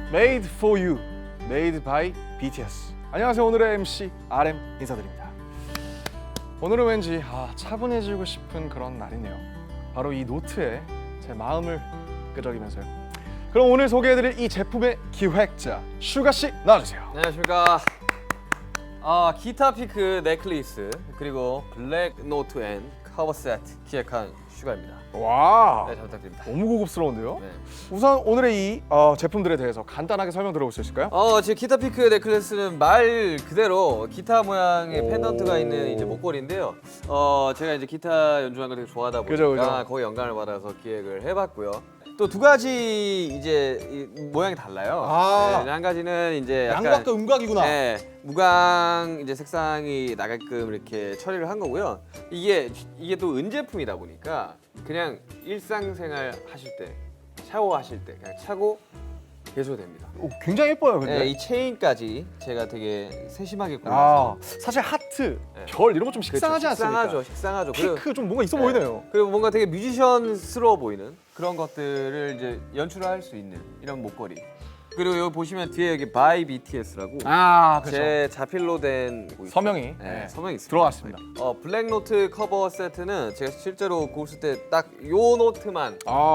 Made for You, Made by BTS. 안녕하세요. 오늘의 MC RM 인사드립니다. 오늘은 왠지 차분해지고 싶은 그런 날이네요. 바로 이 노트에 제 마음을 끄적이면서요. 그럼 오늘 소개해드릴 이 제품의 기획자 슈가 씨 나와주세요. 안녕하십니까. 기타 피크 넥클리스 그리고 블랙 노트 앤 커버 세트 기획한 슈가입니다. 와, 네, 잘 부탁드립니다. 너무 고급스러운데요? 네. 우선 오늘의 이 제품들에 대해서 간단하게 설명 들어볼 수 있을까요? 지금 기타 피크 넥클리스는 말 그대로 기타 모양의 오. 펜던트가 있는 이제 목걸이인데요. 제가 이제 기타 연주하는 걸 되게 좋아하다 보니까 그죠. 거기에 영감을 받아서 기획을 해봤고요. 또 두 가지 이제 모양이 달라요. 네, 한 가지는 이제 약간 양각과 음각이구나. 네, 무광 이제 색상이 나게끔 이렇게 처리를 한 거고요. 이게 또 은제품이다 보니까 그냥 일상생활 하실 때, 샤워하실 때 그냥 차고 계셔도 됩니다. 굉장히 예뻐요, 근데. 네, 이 체인까지 제가 되게 세심하게 골라서 사실 하트, 네. 별 이런 거 좀 식상하지 그렇죠. 않습니까? 식상하죠. 피크 좀 뭔가 있어 네. 보이네요. 그리고 뭔가 되게 뮤지션스러워 보이는 그런 것들을 이제 연출을 할 수 있는 이런 목걸이. 그리고 여기 보시면 뒤에 여기 by BTS라고 그렇죠. 제 자필로 된 뭐 있죠? 서명이 네, 서명이 있습니다. 들어갔습니다. 블랙 노트 커버 세트는 제가 실제로 곡 쓸 때 딱 요 노트만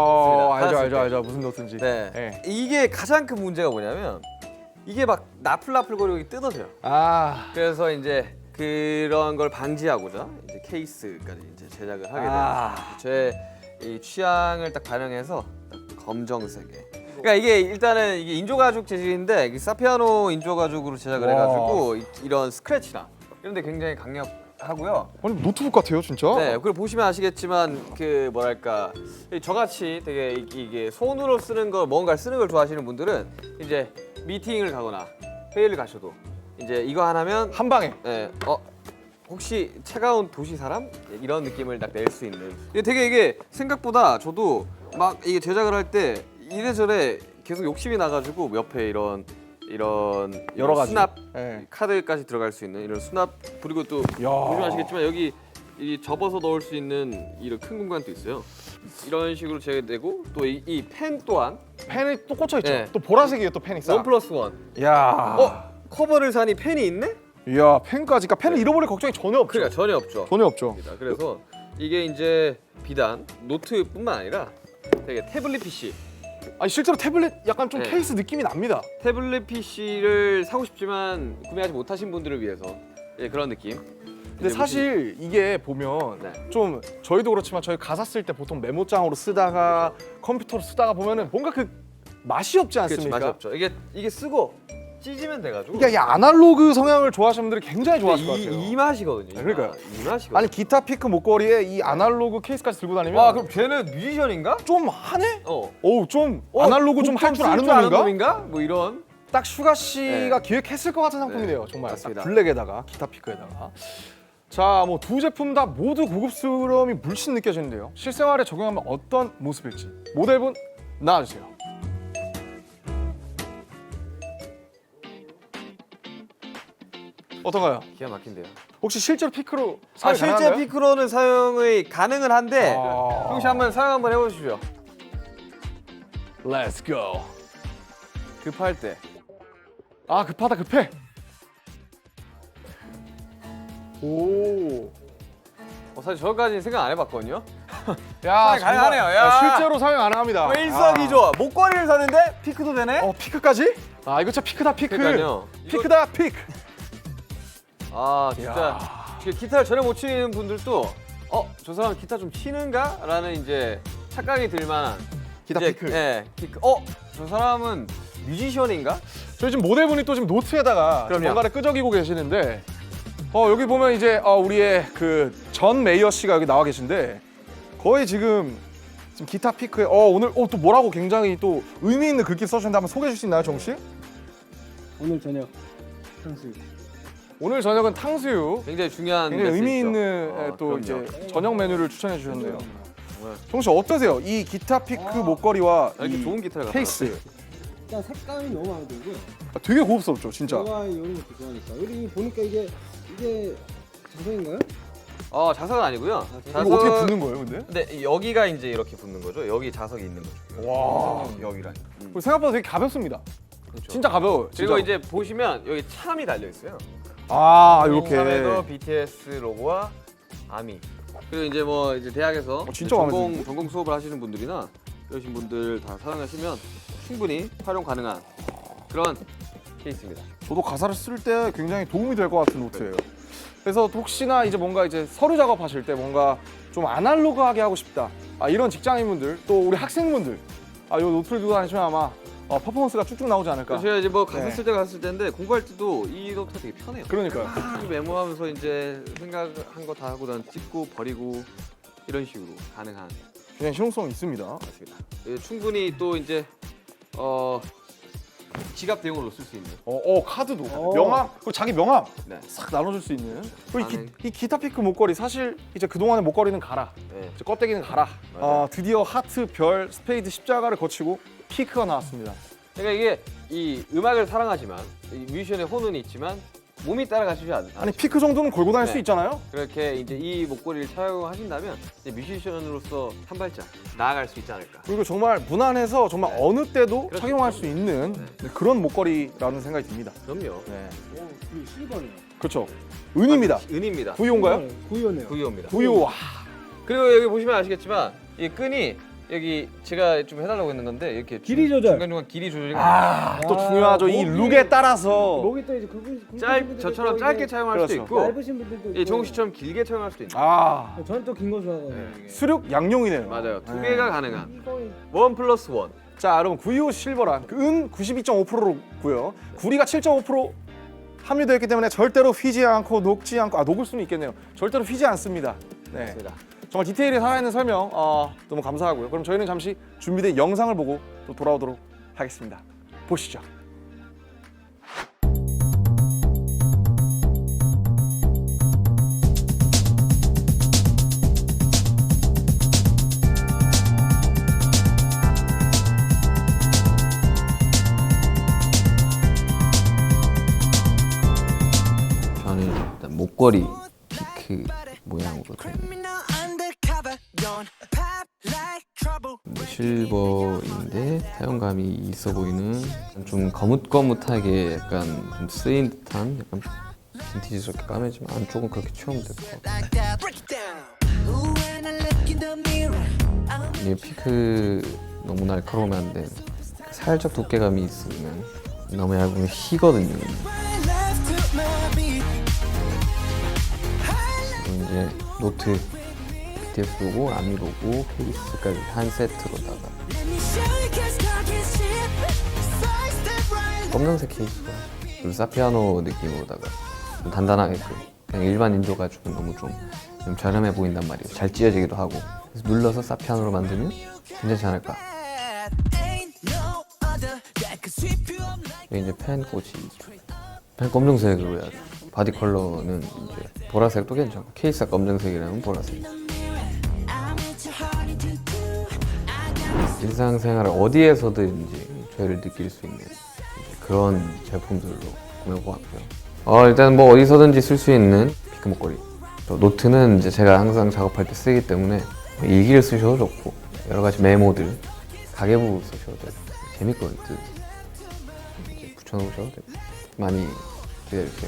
알죠. 무슨 노트인지. 네. 네. 이게 가장 큰 문제가 뭐냐면 이게 막 나풀나풀거리고 뜯어져요. 그래서 이제 그런 걸 방지하고자 이제 케이스까지 이제 제작을 하게 됐어요. 제 이 취향을 딱 반영해서 딱 검정색에. 그러니까 이게 일단은 이게 인조가죽 재질인데 이게 사피아노 인조가죽으로 제작을 해가지고 이런 스크래치나 이런데 굉장히 강력하고요. 아니 노트북 같아요, 진짜. 네, 그리고 보시면 아시겠지만 그 뭐랄까 저같이 되게 이게 손으로 쓰는 거 뭔가를 쓰는 걸 좋아하시는 분들은 이제 미팅을 가거나 회의를 가셔도 이제 이거 하나면 한 방에. 네, 혹시 차가운 도시 사람 이런 느낌을 딱 낼 수 있는. 이게 생각보다 저도 막 이게 제작을 할 때 이래저래 계속 욕심이 나가지고 옆에 이런 여러 가지 수납 네. 카드까지 들어갈 수 있는 이런 수납 그리고 또 보시면 아시겠지만 여기 이 접어서 넣을 수 있는 이런 큰 공간도 있어요. 이런 식으로 제가 내고 또 이 펜 또한 펜이 또 꽂혀 있죠. 네. 또 보라색이에요, 또 펜이. 원 플러스 원. 야. 커버를 사니 펜이 있네? 이야, 펜까지. 그러니까 펜을 네. 잃어버릴 걱정이 전혀 없죠. 그러니까 전혀 없죠. 전혀 없죠. 그래서 이게 이제 비단 노트뿐만 아니라 되게 태블릿 PC. 아니 실제로 태블릿 약간 좀 네. 케이스 느낌이 납니다. 태블릿 PC를 사고 싶지만 구매하지 못하신 분들을 위해서 그런 느낌. 근데 사실 이게 보면 네. 좀 저희도 그렇지만 저희 가사 쓸 때 보통 메모장으로 쓰다가 컴퓨터로 쓰다가 보면은 뭔가 그 맛이 없지 않습니까? 맛이 없죠. 이게 쓰고 찢으면 돼가지고. 그러니까 이 아날로그 성향을 좋아하시는 분들이 굉장히 좋아하실 것 같아요. 이 맛이거든요. 그러니까요. 이 맛이거든요. 아니 기타 피크 목걸이에 이 아날로그 케이스까지 들고 다니면 그럼 걔는 뮤지션인가? 좀 하네? 좀 어, 아날로그 좀 할 줄 아는 놈인가? 뭐 이런. 딱 슈가 씨가 기획했을 것 같은 상품이네요. 정말 맞습니다. 딱 블랙에다가 기타 피크에다가. 자, 뭐 두 제품 다 모두 고급스러움이 물씬 느껴지는데요. 실생활에 적용하면 어떤 모습일지 모델분 나와주세요. 어떤가요? 기가 막힌데요. 혹시 실제로 피크로 사용 실제 가능한가요? 피크로는 사용이 가능은 한데 혹시 한번 사용 한번 해보시죠. Let's go. 급할 때. 급하다 급해. 오. 사실 저까지는 생각 안 해봤거든요. 야, 사용 가능하네요. 야. 실제로 사용 가능합니다. 일석이조. 목걸이를 샀는데 피크도 되네. 피크까지? 이거 진짜 피크다 피크. 그러니까요. 피크다 피크. 진짜 기타를 전혀 못 치는 분들도 저 사람 기타 좀 치는가? 라는 이제 착각이 들만한 기타 이제, 피크. 네, 피크. 저 사람은 뮤지션인가? 저희 지금 모델분이 또 지금 노트에다가 그럼요. 뭔가를 끄적이고 계시는데 여기 보면 이제 우리의 그 전 메이어 씨가 여기 나와 계신데 거의 지금 기타 피크에 오늘 또 뭐라고 굉장히 또 의미 있는 글귀 써주셨는데 한번 소개해 줄 수 있나요, 정우 씨? 오늘 저녁 탕수육. 오늘 저녁은 탕수육. 굉장히 중요한 굉장히 의미 메시지죠. 있는 또 그럼요. 이제 저녁 메뉴를 추천해 주셨네요. 정말. 정우 씨 어떠세요? 이 기타 피크 목걸이와 이렇게 이 좋은 기타를 케이스 일단 색감이 너무 마음에 들고요. 되게 고급스럽죠, 진짜. 제가 이런 것도 좋아하니까. 여기 보니까 이게 자석인가요? 자석은 아니고요. 이거 어떻게 붙는 거예요, 근데? 근데 여기가 이제 이렇게 붙는 거죠. 여기 자석이 있는 거죠. 와. 여기랑. 그리고 생각보다 되게 가볍습니다. 진짜 가벼워요. 그리고 진짜로. 이제 보시면 여기 참이 달려 있어요. 아 이렇게. 참에도 BTS 로고와 아미. 그리고 이제 뭐 이제 대학에서 진짜 마음에 전공 수업을 하시는 분들이나 이러신 분들 다 사용하시면 충분히 활용 가능한 그런 케이스입니다. 저도 가사를 쓸 때 굉장히 도움이 될 것 같은 노트예요. 그래서 혹시나 이제 뭔가 이제 서류 작업하실 때 뭔가 좀 아날로그하게 하고 싶다. 이런 직장인분들 또 우리 학생분들 이 노트를 들고 다니시면 아마 퍼포먼스가 쭉쭉 나오지 않을까. 제가 이제 뭐 가사 네. 쓸 때가 갔을 때인데 공부할 때도 이 노트가 되게 편해요. 그러니까요. 쭉 메모하면서 이제 생각한 거 다 하고 난 찍고 버리고 이런 식으로 가능한 굉장히 실용성이 있습니다. 맞습니다. 충분히 또 이제 지갑 대용으로 쓸 수 있는. 카드도 명함 그리고 자기 명함 네. 싹 나눠줄 수 있는. 그리고 가능. 이 기타 피크 목걸이 사실 이제 그 동안의 목걸이는 가라. 네. 이제 껍데기는 가라. 맞아요. 드디어 하트, 별, 스페이드, 십자가를 거치고 피크가 나왔습니다. 그러니까 이게 이 음악을 사랑하지만 이 뮤지션의 혼은 있지만 몸이 따라가시지 않아. 아니 피크 정도는 걸고 다닐 네. 수 있잖아요. 그렇게 이제 이 목걸이를 착용하신다면 이제 뮤지션으로서 한 발짝 나아갈 수 있지 않을까. 그리고 정말 무난해서 정말 네. 어느 때도 그렇죠. 착용할 수 있는 그런 목걸이라는 생각이 듭니다. 그럼요. 네, 그 실버네요. 그렇죠. 은입니다. 은입니다. 구이온가요? 구이오네요. 구이호입니다. 구이오. 와. 그리고 여기 보시면 아시겠지만 이 끈이 여기 제가 좀 해달라고 했는 건데 이렇게 길이 조절. 중간중간 길이 조절이 또 중요하죠. 이 목이- 룩에 따라서 목이 또 이제 저처럼 짧게 착용할 수도 그렇죠. 있고 얇으신 분들도 있고. 정우 씨처럼 길게 착용할 수도 있는. 저는 또 긴 거 좋아하거든요. 네. 수륙 양용이네요. 맞아요. 두 네. 개가 가능한 이거 1+1. 자, 여러분 925 실버란 은 92.5%고요. 구리가 7.5% 함유되어 있기 때문에 절대로 휘지 않고 녹지 않고 녹을 수는 있겠네요. 절대로 휘지 않습니다. 네. 맞습니다. 정말 디테일이 살아있는 설명 너무 감사하고요. 그럼 저희는 잠시 준비된 영상을 보고 또 돌아오도록 하겠습니다. 보시죠. 저는 일단 목걸이 피크 모양으로 된 실버인데 사용감이 있어 보이는 좀 거뭇거뭇하게 약간 좀 쓰인 듯한 약간 빈티지스럽게 까매지만 안쪽은 그렇게 채우면 될 것 같고 이 피크 너무 날카로우면 안 돼. 살짝 두께감이 있으면 너무 얇으면 휘거든요. 그리고 이제 노트 BTS 로고, 아미 로고, 케이스까지 한 세트로다가 검정색 케이스와 그리고 사피아노 느낌으로다가 좀 단단하게끔 그냥 일반 인조 가지고 너무 좀 저렴해 보인단 말이에요. 잘 찢어지기도 하고 그래서 눌러서 사피아노로 만들면 괜찮지 않을까. 이게 이제 펜 꽂이 펜 검정색으로 해야죠. 바디 컬러는 이제 보라색도 괜찮고 케이스가 검정색이라면 보라색. 일상생활 어디에서든지 저희를 느낄 수 있는 그런 제품들로 구매해보았고요. 일단 뭐 어디서든지 쓸 수 있는 피크 목걸이. 또 노트는 이제 제가 항상 작업할 때 쓰기 때문에 일기를 쓰셔도 좋고 여러 가지 메모들 가계부 쓰셔도 되고 재밌거든요. 이제 붙여놓으셔도 되고 많이 기대해주세요.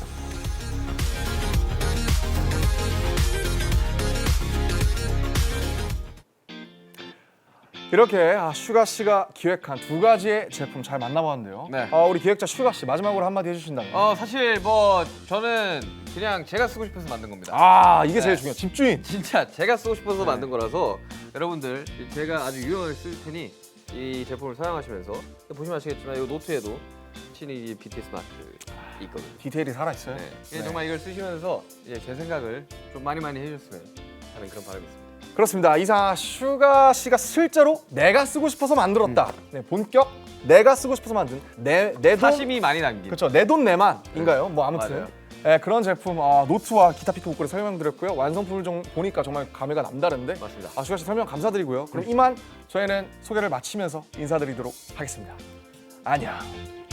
이렇게 슈가 씨가 기획한 두 가지의 제품 잘 만나봤는데요. 네. 우리 기획자 슈가 씨 마지막으로 한마디 해주신다면. 사실 뭐 저는 그냥 제가 쓰고 싶어서 만든 겁니다. 이게 제일 네. 중요해. 집주인. 진짜 제가 쓰고 싶어서 만든 거라서 여러분들 제가 아주 유용하게 쓸 테니 이 제품을 사용하시면서 보시면 아시겠지만 이 노트에도 친히 BTS 마크 있거든요. 디테일이 살아있어요. 네. 네. 정말 이걸 쓰시면서 이제 제 생각을 좀 많이 해주셨으면 하는 그런 바람이 있습니다. 그렇습니다. 이상 슈가 씨가 실제로 내가 쓰고 싶어서 만들었다. 네, 본격 내가 쓰고 싶어서 만든 내 돈. 사심이 많이 남긴. 그렇죠. 내 돈 내만인가요? 뭐 아무튼 맞아요. 네, 그런 제품 노트와 기타 피크 목걸이 설명드렸고요. 완성품을 좀 보니까 정말 감회가 남다른데. 맞습니다. 슈가 씨 설명 감사드리고요. 그럼 이만 저희는 소개를 마치면서 인사드리도록 하겠습니다. 안녕.